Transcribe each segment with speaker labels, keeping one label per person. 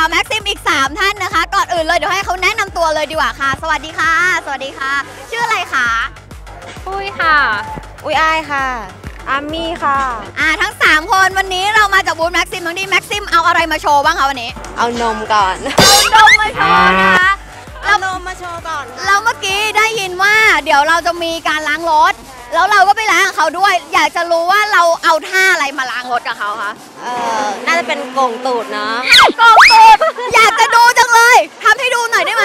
Speaker 1: แม็กซิมอีก3ท่านนะคะก่อนอื่นเลยเดี๋ยวให้เขาแนะนำตัวเลยดีกว่าค่ะสวัสดีค่ะสวัสดีค่ะชื่ออะไรคะ
Speaker 2: ปุ้ยค่ะ
Speaker 3: อุ้ยอายค่ะอามี่ค่ะ
Speaker 1: ทั้ง3คนวันนี้เรามาจากบูธแม็กซิมทั้งที่แม็กซิมเอาอะไรมาโชว์บ้างคะวันนี้
Speaker 3: เอานมก่อน
Speaker 1: เอานมมาโชว์นะคะ
Speaker 3: เอานมมาโชว์ก่อน
Speaker 1: เราเมื่อกี้ได้ยินว่าเดี๋ยวเราจะมีการล้างรถแล้วเราก็ไปล้างกับเขาด้วยอยากจะรู้ว่าเราเอาท่าอะไรมาล้างรถกับเขาคะ
Speaker 3: น่าจะเป็นโกงตูดเนาะ
Speaker 1: โกงตูดอยากจะดูจังเลยทำให้ดูหน่อยได้ไหม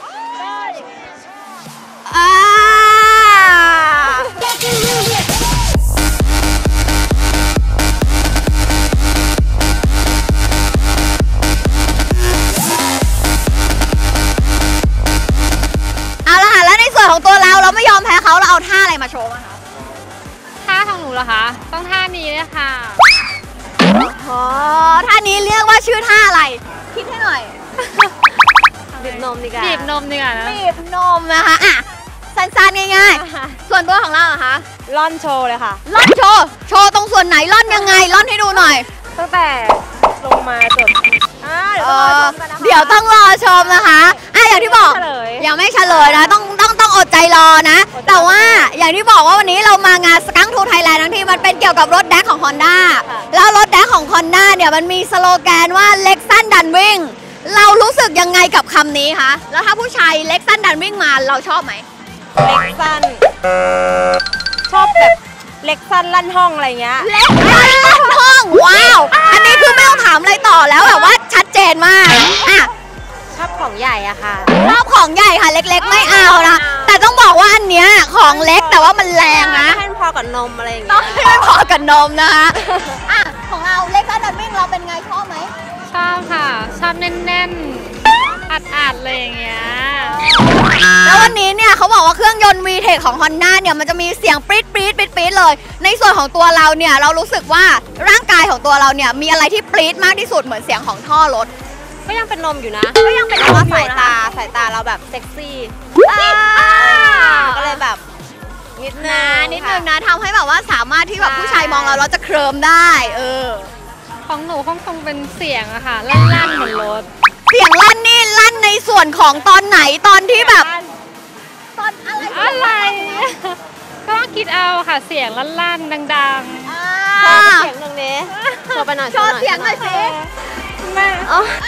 Speaker 1: เอาละค่ะแล้วในส่วนของตัวเราไม่ยอมแพ้เขาเราเอาท่าอะไรมาโชว์มาคะ
Speaker 2: ท่าของหนูเหรอคะต้องท่านี้เลยค่ะ
Speaker 1: อ๋อท่านี้เรียกว่าชื่อท่าอะไรคิดให้หน่อย
Speaker 3: บีบนมดีกว่า
Speaker 2: บีบนมดีกว่านะ
Speaker 1: บีบนมนะคะสั้นๆง่ายๆส่วนตัวของเราเหรอคะ
Speaker 3: ล่อนโชว์เลยค่ะ
Speaker 1: ล่อนโชว์ตรงส่วนไหนล่อนยังไงล่อนให้ดูหน่อย
Speaker 3: ตั้งแต่ลงมาจด
Speaker 1: เดี๋ยวต้องรอชมนะคะอย่างที่บอกยังไม่เฉลยนะต้องอดใจรอนะแต่ว่าอย่างที่บอกว่าวันนี้เรามางานสกังทูไทยแลนด์ทั้งที่มันเป็นเกี่ยวกับรถแดกของ Honda แล้วรถแดกของ Honda เนี่ยมันมีสโลแกนว่าเล็กสั้นดันวิ่งเรารู้สึกยังไงกับคำนี้คะแล้วถ้าผู้ชายเล็กสั้นดันวิ่งมาเราชอบไหม
Speaker 3: เล็กสั้นชอบแบบเล็กสั้นลั่นห้องอะไรเงี้ย
Speaker 1: เล็กสั้นลั่นห้องว้าวอันนี้คือไม่ต้องถามอะไรต่อแล้วแบบว่าชัดเจนมาก
Speaker 3: ชอบของใหญ่อะค่ะ
Speaker 1: ชอบของใหญ่ค่ะเล็กๆไม่เอานะแต่ต้องบอกว่าอันเนี้ยของเล็กแต่ว่ามันแรงนะ
Speaker 3: ให้พอกับนมอะไรอย่างเงี้ย
Speaker 1: ต้องให้พอกับนมนะคะของเราเล็กสั้นดันวิ่งเราเป็นไงชอบไหม
Speaker 2: ชอบค่ะชอบแน่นๆอัดๆเลยอย่างเงี้ย
Speaker 1: แล้ววันนี้เนี่ยเขาบอกว่าเครื่องยนต์ VTEC ของ Honda เนี่ยมันจะมีเสียงปรี๊ดเลยในส่วนของตัวเราเนี่ยเรารู้สึกว่าร่างกายของตัวเราเนี่ยมีอะไรที่ปรี๊ดมากที่สุดเหมือนเสียงของท่อรถ
Speaker 3: ก็ยังเป็นนมอยู่นะ
Speaker 1: ก็ยังเป็นนม
Speaker 3: สายตาเราแบบเซ็กซี่ก็เลยแบบนิดนึง
Speaker 1: นะทำให้แบบว่าสามารถที่แบบผู้ชายมองเราจะเคลิ้มได้
Speaker 2: ของหนูคงเป็นเสียงอะค่ะลั่นเหมือนรถ
Speaker 1: เสียงลั่นนี่ลั่นในส่วนของตอนไหนตอนที่แบบตอนอะไร
Speaker 2: ก็ต้องคิดเอาค่ะเสียงลั่นดัง
Speaker 3: ๆโชว์เสียงตรงนี้โชว์ไปหน่อย
Speaker 1: โชว์เสียงหน่อยสิ
Speaker 3: แม่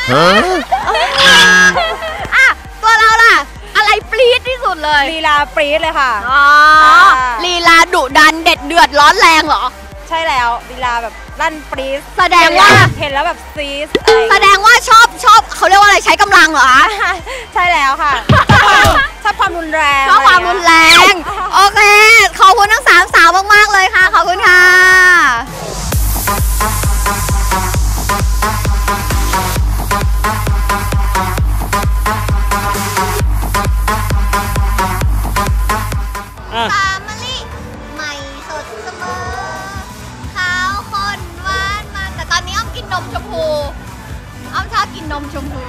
Speaker 1: ตัวเราล่ะอะไรปรี๊ดที่สุดเลย
Speaker 3: ลีลาปรี๊ดเลยค่ะ
Speaker 1: ลีลาดุดันเด็ดเดือดร้อนแรงเหรอ
Speaker 3: ใช่แล้วลีลาแบบลั่นปรี๊ด
Speaker 1: แสดงว่า
Speaker 3: เห็นแล้วแบบซีส
Speaker 1: แสดงว่าชอบเขาเรียกว่าอะไรใช้กำลังเหรอ
Speaker 3: ใช่แล้วค่ะชอบความรุนแรง
Speaker 1: ชอบความรุนแรงโอเคขอบคุณทั้ง3สาวมากๆเลยค่ะขอบคุณค่ะใหม่สดเสมอขาวข้นหวานมันแต่ตอนนี้อ้อมกินนมชมพูอ้อมชอบกินนมชมพู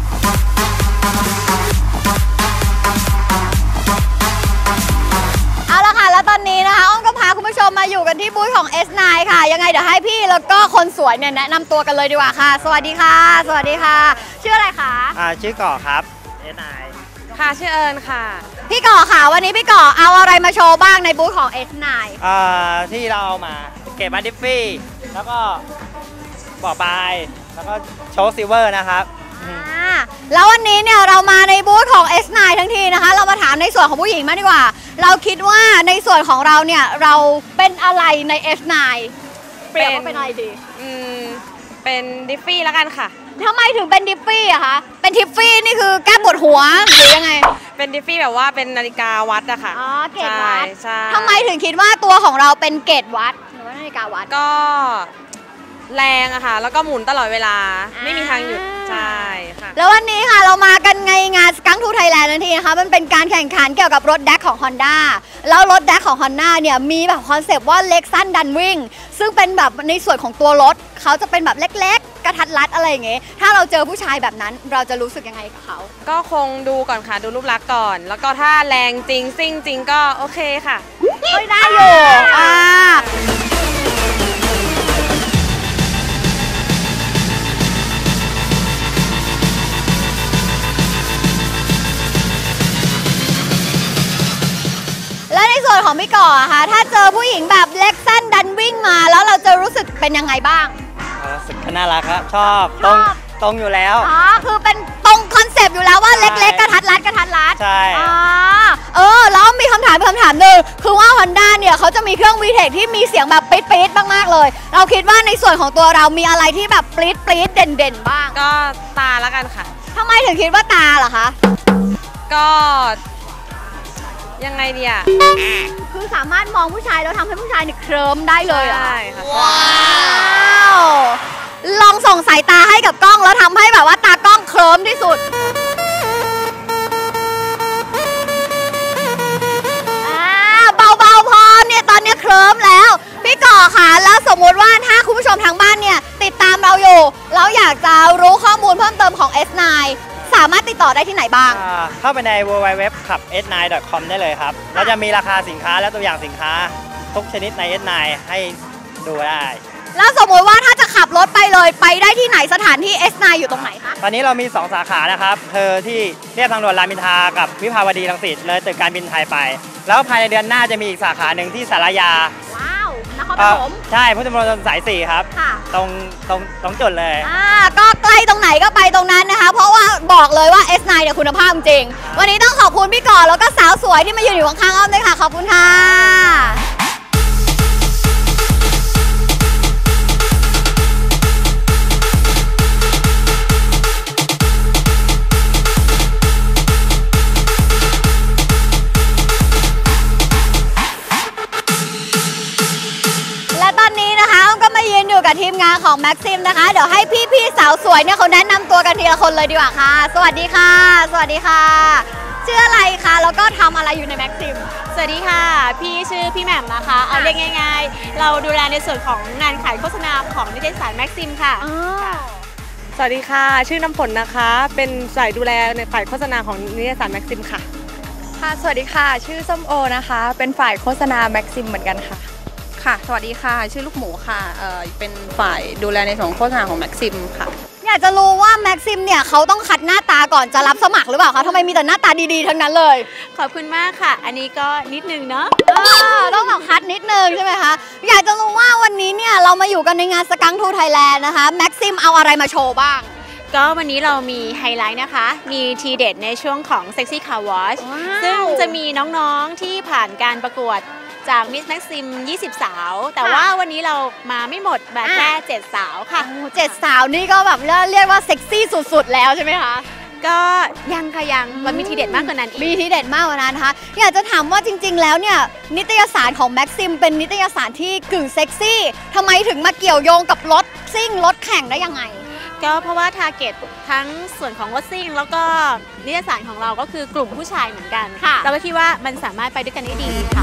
Speaker 1: เอาละค่ะแล้วตอนนี้นะคะอ้อมก็พาคุณผู้ชมมาอยู่กันที่บูธของ S9 ค่ะยังไงเดี๋ยวให้พี่แล้วก็คนสวยเนี่ยแนะนำตัวกันเลยดีกว่าค่ะสวัสดีค่ะสวัสดีค่ะชื่ออะไรคะ
Speaker 4: ชื่อก่อครับ S9
Speaker 3: ค่ะชื่อเอิญค่ะ
Speaker 1: พี่ก่อค่ะวันนี้พี่ก่อเอาอะไรมาโชว์บ้างในบูธของ S9
Speaker 4: ที่เราเอามาเก็บมาดิฟฟี่แล้วก็บ่อปลายแล้วก็โชว์ซิลเวอร์นะครับ
Speaker 1: แล้ววันนี้เนี่ยเรามาในบูธของ S9 ทั้งทีนะคะเรามาถามในส่วนของผู้หญิงมากดีกว่าเราคิดว่าในส่วนของเราเนี่ยเราเป็นอะไรใน S9 เปรียบว่าเป็นอะไรดี
Speaker 3: เป็นดิฟฟี่แล้วกันค่ะ
Speaker 1: ทำไมถึงเป็นดิฟฟี่อะคะเป็นทิฟฟี่นี่คือแก้ปวดหัวหรือยังไง
Speaker 3: เป็นดิฟฟี่แบบว่าเป็นนาฬิกาวัดอะค่ะ
Speaker 1: เกจวัดทำไมถึงคิดว่าตัวของเราเป็นเกจวัดหรือว่านาฬิกาวัด
Speaker 3: ก็แรงอะค่ะแล้วก็หมุนตลอดเวลาไม่มีทางหยุดใช่ค่ะ
Speaker 1: แล้ววันนี้ค่ะเรามากันในงานสกังทูไทยแลนด์ทันทีนะคะมันเป็นการแข่งขันเกี่ยวกับรถแดกของ Honda แล้วรถแดกของ Honda เนี่ยมีแบบคอนเซปต์ว่าเล็กสั้นดันวิ่งซึ่งเป็นแบบในส่วนของตัวรถเขาจะเป็นแบบเล็กๆกระทัดรัดอะไรอย่างเงี้ยถ้าเราเจอผู้ชายแบบนั้นเราจะรู้สึกยังไงกับเขา
Speaker 3: ก็คงดูก่อนค่ะดูรูปลักษณ์ก่อนแล้วก็ถ้าแรงจริงซิ่งจริงก็โอเคค่ะ
Speaker 1: ได้อยู่ในส่วนของพี่ก่ออะคะถ้าเจอผู้หญิงแบบเล็กสั้นดันวิ่งมาแล้วเราจะรู้สึกเป็นยังไงบ้าง
Speaker 4: รู้สึกน่ารักครับชอบตรงอยู่แล้ว
Speaker 1: อ๋อคือเป็นตรงคอนเซปต์อยู่แล้วว่าเล็กๆกระทัดรัดกระทัดรัด
Speaker 4: ใช่
Speaker 1: แล้วมีคำถามหนึ่งคือว่า Honda เนี่ยเขาจะมีเครื่อง VTEC ที่มีเสียงแบบปี๊ดๆมากๆเลยเราคิดว่าในส่วนของตัวเรามีอะไรที่แบบปี๊ดเด่นๆบ้าง
Speaker 3: ก็ตาละกันค่ะ
Speaker 1: ทำไมถึงคิดว่าตาเหรอคะ
Speaker 3: ก็ยังไงเนี่ย
Speaker 1: คือสามารถมองผู้ชายแล้วทำให้ผู้ชายเนี่ยเคลิ้มได้เลยเหรอ
Speaker 3: ใช่ค่ะ
Speaker 1: ว้าวลองส่งสายตาให้กับกล้องแล้วทำให้แบบว่าตากล้องเคลิ้มที่สุดเบาๆพอเนี่ยตอนนี้เคลิ้มแล้วพี่ก่อค่ะแล้วสมมุติว่าถ้าคุณผู้ชมทางบ้านเนี่ยติดตามเราอยู่แล้วอยากจะรู้ข้อมูลเพิ่มเติมของ S9 สามารถติดต่อได้ที่ไหนบ้าง
Speaker 4: เข้าไปใน www.s9.com ได้เลยครับแล้วจะมีราคาสินค้าและตัวอย่างสินค้าทุกชนิดใน S9 ให้ดูได้
Speaker 1: แล้วสมมติว่าถ้าจะขับรถไปเลยไปได้ที่ไหนสถานที่ S9 อยู่ตรงไหนคะ
Speaker 4: ตอนนี้เรามี 2 สาขานะครับคือที่เรียบทางด่วนรามอินทรากับวิภาวดีรังสิตเลยตึกการบินไทยไป แล้วภายในเดือนหน้าจะมีอีกสาขาหนึ่งที่สารยา
Speaker 1: ว้าวนครปฐม
Speaker 4: ใช่พุทธมณฑลสาย 4 ครับ
Speaker 1: ค่ะ
Speaker 4: ตรงจุดเลย
Speaker 1: ก็ใกล้ตรงไหนก็ไปตรงนั้นนะคะ เพราะว่าบอกเลยว่า S9 เนี่ยคุณภาพจริง วันนี้ต้องขอบคุณพี่ก่อแล้วก็สาวสวยที่มายืนอยู่ข้างๆอ้อมด้วยค่ะ ขอบคุณค่ะ และตอนนี้นะคะอ้อมก็มายืนอยู่กับทีมงานของ Maxim นะคะ เดี๋ยวให้พี่ๆสาวสวยเนี่ยเขาแนะนำตัวกันทีละคนเลยดีกว่าค่ะ สวัสดีค่ะ สวัสดีค่ะ ชื่ออะไรคะแล้วก็ทำอะไรอยู่ใน Maxim
Speaker 5: สวัสดีค่ะ พี่ชื่อพี่แหม่มนะคะ เอาเรียกง่ายๆ เราดูแลในส่วนของงานขายโฆษณาของนิตยสารแม็กซิมค่ะ
Speaker 3: สวัสดีค่ะ ชื่อน้ำฝนนะคะ เป็นฝ่ายดูแลในฝ่ายโฆษณาของนิตยสารแม็กซิมค่ะ
Speaker 6: ค่ะสวัสดีค่ะชื่อส้มโอนะคะเป็นฝ่ายโฆษณาแม็กซิมเหมือนกันค่ะค่ะสวัสดีค่ะชื่อลูกหมูค่ะเป็นฝ่ายดูแลในส่วนของโฆษณาของแม็กซิมค่ะ
Speaker 1: อยากจะรู้ว่า Maxim เนี่ยเขาต้องคัดหน้าตาก่อนจะรับสมัครหรือเปล่าคะทำไมมีแต่หน้าตาดีๆทั้งนั้นเลย
Speaker 5: ขอบคุณมากค่ะ อันนี้ก็นิดนึงเนาะ
Speaker 1: ต้องแบบคัดนิดนึงใช่ไหมคะอยากจะรู้ว่าวันนี้เนี่ยเรามาอยู่กันในงานสกังทูไทยแลนด์นะคะ Maxim เอาอะไรมาโชว์บ้าง
Speaker 5: ก็วันนี้เรามีไฮไลท์นะคะ มีทีเด็ดในช่วงของ Sexy Car Wash
Speaker 1: ว้าว
Speaker 5: ซึ่งจะมีน้องๆที่ผ่านการประกวดจาก Miss Maxim 20 สาว แต่ว่าวันนี้เรามาไม่หมดแบบแค่ 7 สาวค่ะ
Speaker 1: 7 สาวนี่ก็แบบเรียกว่าเซ็กซี่สุดๆแล้วใช่ไหมคะ
Speaker 5: ก็ยังค่ะยังมันมีทีเด็ดมากกว่านั้นอีก
Speaker 1: มีทีเด็ดมากกว่านั้นนะคะอยากจะถามว่าจริงๆแล้วเนี่ยนิตยสารของ Maxim เป็นนิตยสารที่กึ่งเซ็กซี่ทำไมถึงมาเกี่ยวโยงกับรถซิ่งรถแข่งได้ยังไง
Speaker 5: ก็เพราะว่าทาร์เก็ตทั้งส่วนของรถซิ่งแล้วก็นิตยสารของเราก็คือกลุ่มผู้ชายเหมือนกัน
Speaker 1: ค่ะ
Speaker 5: เราก็คิดว่ามันสามารถไปด้วยกันได้ดีค่ะ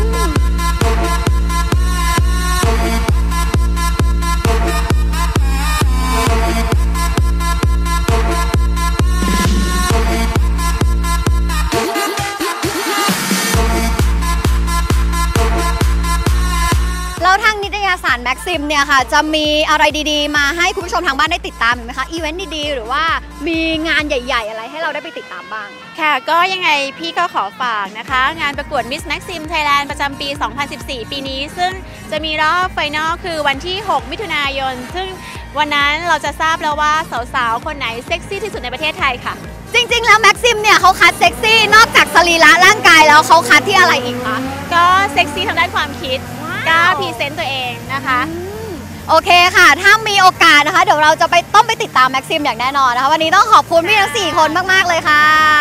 Speaker 1: แล้วทางนิตยสาร Maxim เนี่ยค่ะจะมีอะไรดีๆ มาให้คุณผู้ชมทางบ้านได้ติดตามอีกไหมคะอีเวนต์ดีๆหรือว่ามีงานใหญ่ๆอะไรให้เราได้ไปติดตามบ้าง
Speaker 5: ค่ะก็ยังไงพี่ก็ขอฝากนะคะ งานประกวด Miss Maxim Thailand ประจำปี 2014 ปีนี้ ซึ่งจะมีรอบไฟนอลคือวันที่ 6 มิถุนายน ซึ่งวันนั้นเราจะทราบแล้วว่าสาวๆ คนไหนเซ็กซี่ที่สุดในประเทศไทยค่ะ
Speaker 1: จริงๆแล้ว Maxim เนี่ยเขาคัดเซ็กซี่นอกจากสรีระร่างกายแล้วเขาคัดที่อะไรอีกคะ
Speaker 5: ก็เซ็กซี่ทางด้านความคิดกล้าพรีเซนต์ตัวเองนะคะ
Speaker 1: โอเคค่ะ ถ้ามีโอกาสนะคะ เดี๋ยวเราจะต้องไปติดตาม Maxim อย่างแน่นอนนะคะ วันนี้ต้องขอบคุณพี่ทั้ง 4 คนมากๆเลยค่ะ